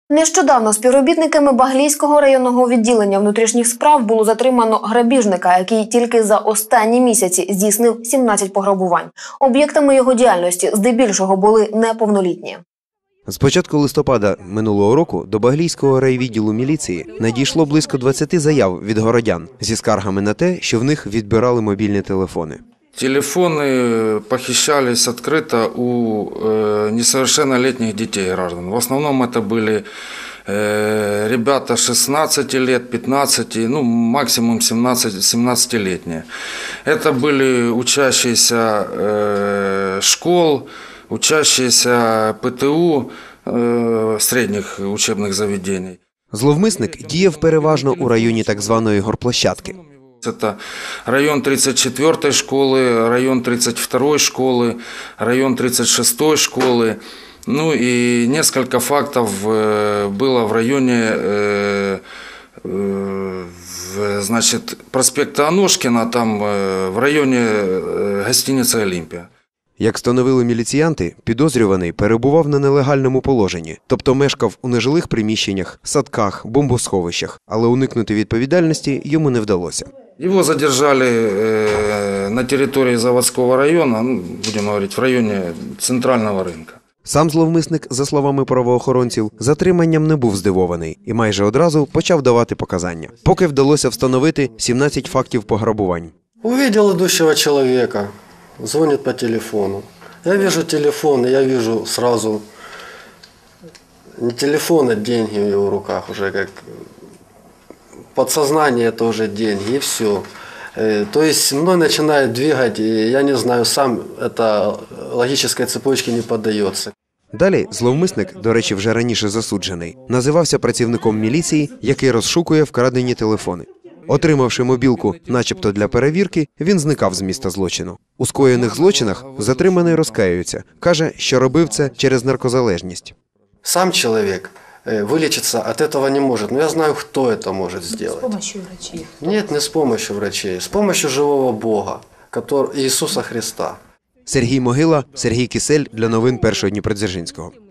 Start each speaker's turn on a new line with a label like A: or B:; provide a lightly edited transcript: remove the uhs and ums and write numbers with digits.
A: Нещодавно співробітниками Баглійського районного відділення внутрішніх справ було затримано грабіжника, який тільки за останні місяці здійснив 17 пограбувань. Об'єктами його діяльності здебільшого були неповнолітні.
B: З початку листопада минулого року до Баглійського райвідділу міліції надійшло близько 20 заяв від городян зі скаргами на те, що в них відбирали мобільні телефони.
C: Телефоны похищались открыто у несовершеннолетних детей граждан. В основном это были ребята 16 лет, 15, ну максимум 17-летние. Это были учащиеся школ, учащиеся ПТУ, средних учебных заведений.
B: Зловмисник діяв переважно у районі так званої горплощадки.
C: Это район 34-й школы, район 32-й школы, район 36-й школы. Ну и несколько фактов было в районе значит, проспекта Аношкина, там в районе гостиницы «Олимпия».
B: Як встановили міліціянти, підозрюваний перебував на нелегальному положенні, тобто мешкав у нежилих приміщеннях, садках, бомбосховищах, але уникнути відповідальності йому не вдалося.
C: Его задержали на территории заводского района, ну, будем говорить, в районе центрального рынка.
B: Сам зловмисник, за словами правоохоронців, затриманням не був здивований і майже одразу почав давати показання. Поки вдалося встановити 17 фактів пограбувань.
D: Увидел идущего человека, звонит по телефону. Я вижу телефон, и я вижу сразу не телефон, а деньги в его руках, уже как подсознание, это уже деньги, и все. То есть мной начинает двигать, и я не знаю, сам это логической цепочке не поддается.
B: Далі зловмисник, до речі, вже раніше засуджений, називався працівником міліції, який розшукує вкрадені телефони. Отримавши мобілку начебто для перевірки, він зникав з місця злочину. У скоєних злочинах затриманий розкаюється. Каже, що робив це через наркозалежність.
D: Сам человек вылечиться от этого не может, но я знаю, кто это может сделать.
E: С помощью врачей?
D: Нет, не с помощью врачей, с помощью живого Бога, Иисуса Христа.
B: Сергій Могила, Сергій Кисель для новин Першого Дніпродзержинського.